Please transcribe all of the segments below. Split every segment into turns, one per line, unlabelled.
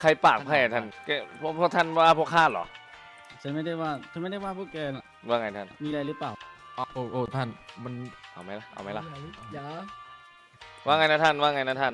ใครปากแผ่ท่านแกพวกท่านว่าพวกข้าเหรอ
ฉันไม่ได้ว่าพวกแกน่ะ
ว่าไงท่าน
มีอะไรหรือเปล่า
โอ้ท่านมัน
เอาไหมล่ะเอาไหมล่ะ
อย่า
ว่าไงนะท่านว่าไงนะท่าน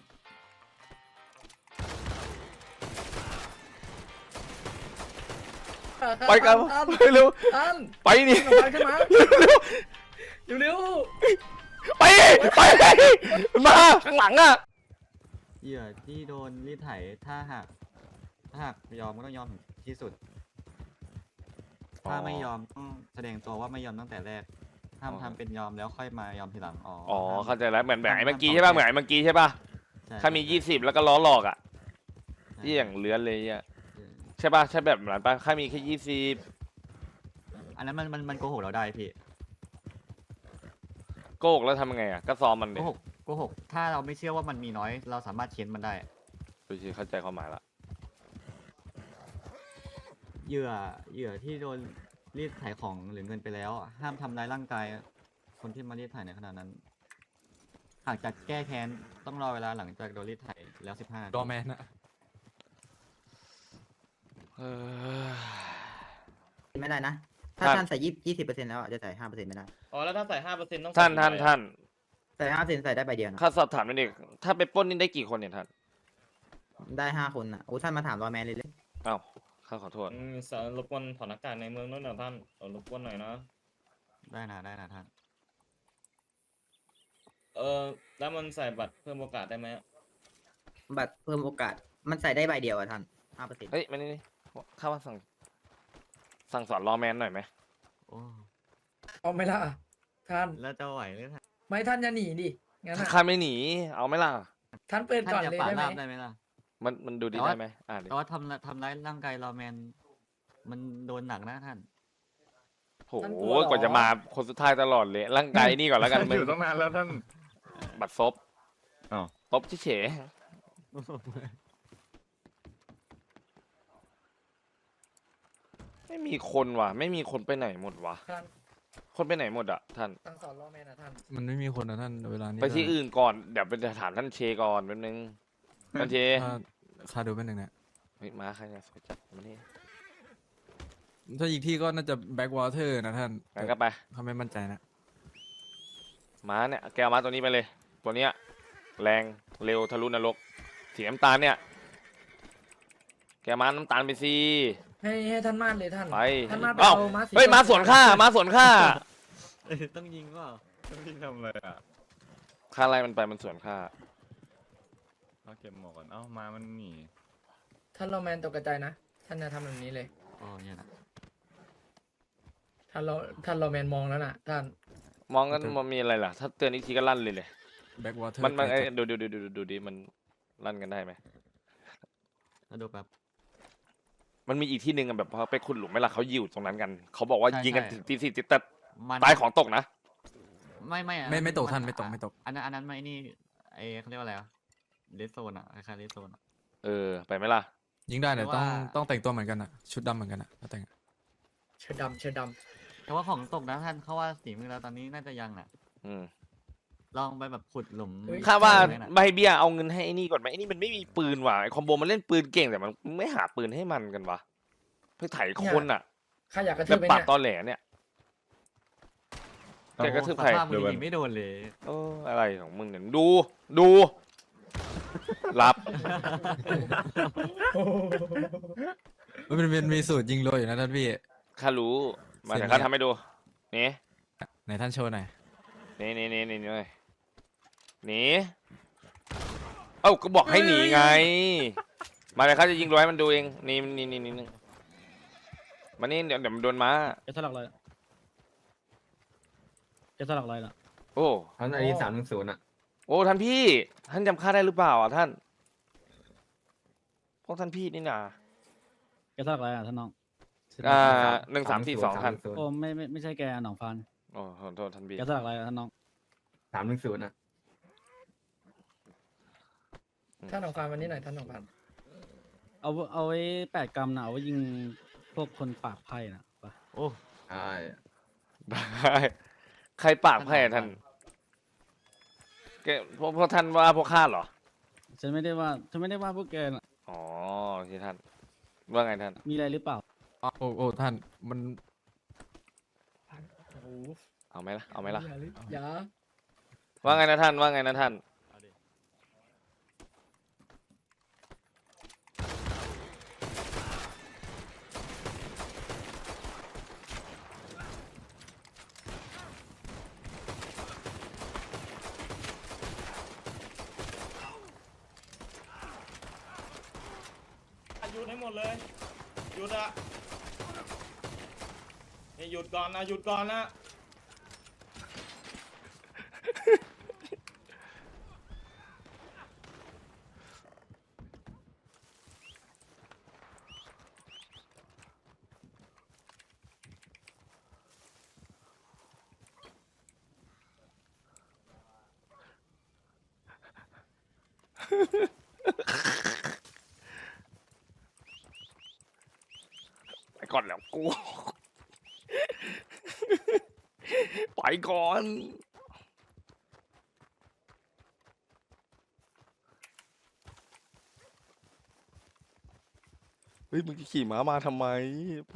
ไปกัน
ท่าน
ไปเร็ว
ท่าน
ไปนี่
ขึ้นมาเร็ว
ไปมาข้างหลังอ่ะ
เหยื่อที่โดนรีดไถถ้าหากยอมก็ต้องยอมถึงที่สุด ถ้าไม่ยอมต้องแสดงตัวว่าไม่ยอมตั้งแต่แรกห้ามทำเป็นยอมแล้วค่อยมายอมทีหลัง
อ๋อ
ห้าม
เข้าใจแล้วเหมือนไอ้เมื่อกี้ใช่ป่ะเหมือนไอ้เมื่อกี้ใช่ป่ะ
ใช่
ถ้ามี
ใช่
20แล้วก็ล้อหลอกอ่ะ
ใช่
ที่อย่างเลื้อนเลยอ่ะ
ใช่
ใช่ป่ะใช่แบบนั้นป่ะถ้ามีแค่20
อันนั้นมันโกหกเราได้พี่
โกหกแล้วทำยังไงอ่ะก็ซ้อมมัน
โก
ดิ
หกถ้าเราไม่เชื่อว่ามันมีน้อย เราสามารถเค้นมันได้
ดูสิเข้าใจความหมายละ
เหยื่อที่โดนรีดไถของหรือเงินไปแล้ว ห้ามทำร้ายร่างกายคนที่มารีดไถในขณะนั้น หากจะแก้แค้นต้องรอเวลาหลังจากโดนรีดไถแล้ว15 นาที
ดอแมนอะ
เออ
ไม่ได้นะ ถ้าท่านใส่20%แล้วอ่ะจะใส่5%ไม่ได้
อ๋อแล้วถ้าใส่5%ต้อง
ท่าน
ใส่5%ใส่ได้ใบเดียวนะ
ข้าสอบถามหนิดนึงถ้าไปปล้นนี่ได้กี่คนเนี่ยท่าน
ได้5 คนอ่ะโอ้ท่านมาถามรอแมนเลยเลย
อ้าวข้าขอโทษ
สารรบกวนถอนอากาศในเมืองนู้นหน่อยท่านรบกวนหน่อยนะ
ได้นะท่าน
แล้วมันใส่บัตรเพิ่มโอกาสได้ไหม
บัตรเพิ่มโอกาสมันใส่ได้ใบเดียวอ่ะท่าน5%
เฮ้ยมานี่ข้าว่าสั่งสอนรอแมนหน่อยไหม
โอ้
เอาไหม่ล่ะท่าน
แล้วจะไหวหรือท่าน
ไม่ท่านอย่าหนีดิงั้น
ถ้า
อะ
ข้าไม่หนีเอาไหมล่ะ
ท่านเปิด
ท่าน
ก่อน
จะ
เลย
ป่า
ได้ไหม
ราบได้ไหมล่ะ
มันดูดี
แต่ว่า
ได้ไหมดิ
แต่ว่าทำร้ายร่างกายรอแมน มันโดนหนักนะท่าน
โหกว่าจะมาคนสุดท้ายตลอดเลยร่างกายนี่ก่อนแล้วกันมึง
อยู่ตั้งนานแล้วท่าน
บัตรซบ
อ้าว
ตบเฉยๆไม่มีคนว่ะ ไม่มีคนไปไหนหมดวะ
ท่าน
คนไปไหนหมดอ่ะท่าน
ตั้งสอนรอแม่นะท่าน
มันไม่มีคนนะท่านเวลานี้
ไปที่อื่นก่อนเดี๋ยวไปถามท่านเชก่อนแป๊บนึงท่านเช
ข้าดูเป็นหนึ่งเนี่ย
เฮ้ยมาใครเนี่ยสวยจัดมานี่
ถ้าอีกที่ก็น่าจะแบ็กวอเตอร์นะท่าน
งั้นก็ไป
เขาไม่มั่นใจนะ
ม้าเนี่ยแกเอาม้าตัวนี้ไปเลย ตัวเนี้ยแรงเร็วทะลุนรกสีน้ำตาลเนี่ยแกม้าน้ำตาลไปสิ
ให้ท่านมาดเลยท่าน
ไป
ท่านมาดไป
เอ้า
เอาม้าสี
เฮ้ยม้าสวนข้าม้าสวนข้า
ต้องยิงเปล่า
พี่ทำอะไรอ่ะ
ข้าไล่มันไปมันสวนข้า
เอาเก็บหมวกก่อนเอ้ามามันหนี
ท่านรอแมนตกกระจายนะ ท่านจะทำแบบนี้เลย
โอ้เนี่ยนะ
ท่านรอแมนมองแล้วน่ะ ท่าน
มองกันมันมีอะไรล่ะ ถ้าเตือนอีกทีก็ลั่นเลย
แบ็กวอเตอร์
มันเอ้ยดูดิมันลั่นกันได้ไหม
แล้วดูแบบ
มันมีอีกที่หนึ่งอะแบบพอไปขุดหลุมไม่ละเขาอยู่ตรงนั้นกันเขาบอกว่า
ใช่
ยิงกัน
ใช่
ถึงตี 4แต่
มัน
ตายของตกนะ
ไม่อะ
ไม่ตกท่านไม่ตก
อันนั้นไม่นี่เขาเรียกว่าอะไรเลสโซนอะคล้ายๆเลสโซนอะ
ไปไหมล่ะ
ยิงได้แต่
หรือว่า
ต้องแต่งตัวเหมือนกันอะชุดดำเหมือนกันอะถ้าแต่งอะ
เชิดดำ
แต่ว่าของตกนะท่านเขาว่าสีมือเราตอนนี้น่าจะยังน่ะ
อืม
ลองไปแบบขุดหลุม
ข้าว่า
ไหนน่ะ
ใบเบี้ยเอาเงินให้ไอ้นี่ก่อนไหมไอ้นี่มันไม่มีปืนว่ะไอ้คอมโบมันเล่นปืนเก่งแต่มันไม่หาปืนให้มันกันวะเพื่อไถคนอ่ะ
ข้าอยากกระทื
แบบ บ
ไป
ปาด
เนี่ย
ตอแหลเนี่ย แกกระทืบใคร
สภาพมือยิงไม่โดนเลย
โอ้อะไรของมึงเนี่ยดูรับ
มันมีสูตรยิงโรยอยู่นะท่านพี่
ข้ารู้มา
เสร็
แต่
จ
ข้า
แล้ว
ทำให้ดูนี่
ไหนท่านโชว์หน่อย
นี่เลยหนีเอ้าก็บอกให้หนีไง มาเลยข้าจะยิงรัวให้มันดูเองนี่มานี่เดี๋ยวมันโดนม้า
แกสลักอะไรล่ะแกสลักอะไรล่ะ
โอ้
ท่านอันนี้310อ่ะ
โอ้ท่านพี่ ท่านจำข้าได้หรือเปล่าอ่ะท่านพวกท่านพี่นี่นะ
แกสลักอะไรอ่ะท่านน้อง
1342ท่าน
โอ้ไม่ใช่แกหนองฟาน
โอ้ขอโทษท่านพี่
แกสลักอะไรอ่ะท่านน้อง
310อ่ะ
ท่านของฟานวันนี้หน่อยท่านของฟาน
เอาไว้8 กรัมนะเอาไว้ยิงพวกคนปากไพ่นะปะ
โอ้
ใช่
ได้ใครปากแผ่ท่านแกพวกท่านว่าพวกข้าเหรอ
ฉันไม่ได้ว่าพวกแกน่ะ
อ๋อที่ท่านว่าไงท่าน
มีอะไรหรือเปล่า
โอ้ท่านมัน
โอ้โห
เอาไหมล่ะเอาไหมล่ะ
อย่า
ว่าไงนะท่านว่าไงนะท่าน
หยุดให้หมดเลยหยุดอะนี่หยุดก่อนนะหยุดก่อนนะ
ไปก่อนแล้วกู ไปก่อน เฮ้ยมึงจะขี่ม้ามาทำไม ไป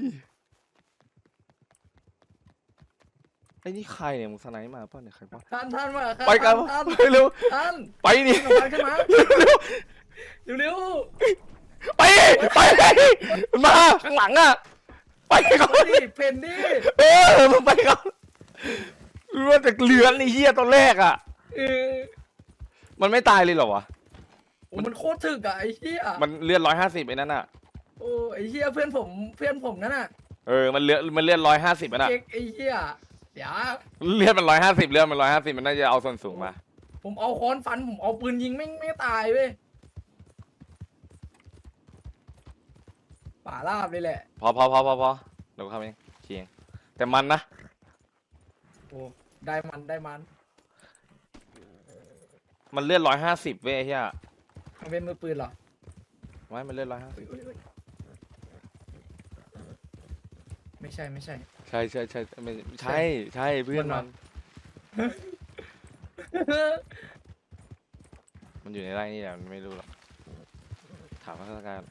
ไอ้นี่ใครเนี่ยมึงสไนป์มาป่ะเนี่ยใครป่ะ
ท่านมาครับ
ไปกัน
ท่าน
ไปเร็ว
ท่าน
ไปดิ
ขึ้นมาเร็ว
ไปไปมันมาข้างหลังอ่ะ ไปก่อน
ๆดิเพนดิ
เออมึงไปก่อนรู้ว่าแต่เลือนไอ้เหี้ยตอนแรกอ่ะ
เออ
มันไม่ตายเลยเหรอวะ
โอ้มันโคตรถึกอะไอ้เหี้ย
มันเลือด150ไอ้นั่นอ่ะ
โอ้ไอ้เหี้ยเพื่อนผมนั่นน่ะ
เออ มันเลือด150อ่ะนะ
เจ๊กไอ้เหี้ยเดี๋ยว
เลือดมัน150เลือดมัน150มันน่าจะเอาส่วนสูงมา
ผมเอาค้อนฟันผมเอาปืนยิงไม่ตายเว้ยป่าราบเลยแหละ
พอเดี๋ยวกูทำเองเชียงแต่มันนะ
โอ้ได้มัน
มันเลือด150เว้ยไอ้เหี้ย
มันเป็นมือปืนเหรอ
ไม่มันเลือด150
อุ๊ยไม่ใช่
ใช่ไม่ใช่เพื่อน
มั
มัน น มันอยู่ในไร่นี่แหละมันไม่รู้หรอกถามข้าราชการ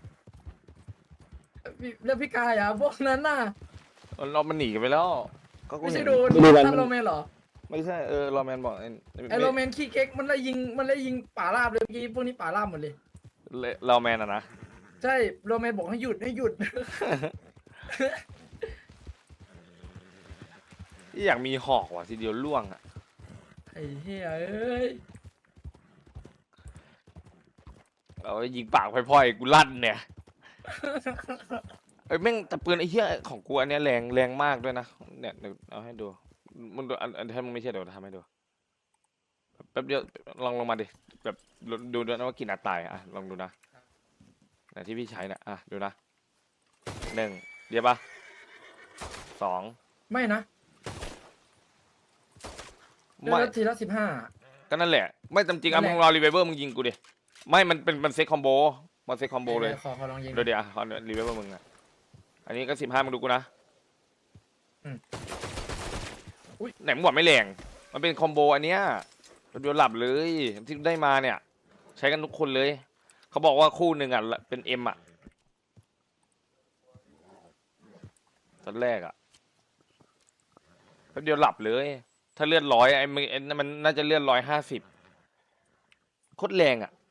แล้วพี่กายอ่ะพวกนั้นน่ะ
เรามันหนีกันไปแล้วก็กู
ไม่
เห็
ใช่
น
โดนท่านโรแมนเหรอ
ไม่ใช่รอแมนบอก
ไอโรแมนขี้เก๊กมันเลยยิงป่าราบเลยเมื่อกี้พวกนี้ป่าราบหมดเลย
รอแมนอะนะ
ใช่โรแมนบอกให้หยุด
อยากมีหอกว่ะทีเดียวล่วงอ่ะ
ไอ้เหี้ยเอ้ย
เอาไว้ยิงปากพล่อยๆกูลั่นเนี่ยไอ้ยแม่งแต่ปืนไอ้เหี้ยของกูอันเนี้ยแรงมากด้วยนะเนี่ยเดี๋ยวเอาให้ดูมันดูอันถ้ามึงไม่เชื่อเดี๋ยวทำให้ดูแป๊บเดียวลองลงมาดิแบบดูด้วยนะว่ากี่นัดตายอ่ะลองดูนะแต่ที่พี่ใช้นะอ่ะดูนะ1เดี๋ยวปะ2
ไม่นะเดือน
ไม่
ละทีละ15
ก็นั่นแหละไม่จำจริงอ่ะ
นั่
มึ
นแหละ
งรอรีเวเวอร์มึงยิงกูดิไม่มันเซ็ตคอมโบมันเซ็ตคอมโบเลย
ขอลองยิง
เดี๋ยวขอรีเวเวอร์มึงอ่ะอันนี้ก็15มึงดูกูนะ
อุ๊ย
ไหนมึงบอกไม่แรงมันเป็นคอมโบอันเนี้ยเดี๋ยวหลับเลยที่ได้มาเนี่ย ใช้กันทุกคนเลย เขาบอกว่าคู่หนึ่งอ่ะเป็นเอ็มอ่ะตอนแรกอ่ะแป๊บเดียวหลับเลย ถ้าเลือด100ไอ้มึงมันน่าจะเลือด150โคตรแรงอ่ะ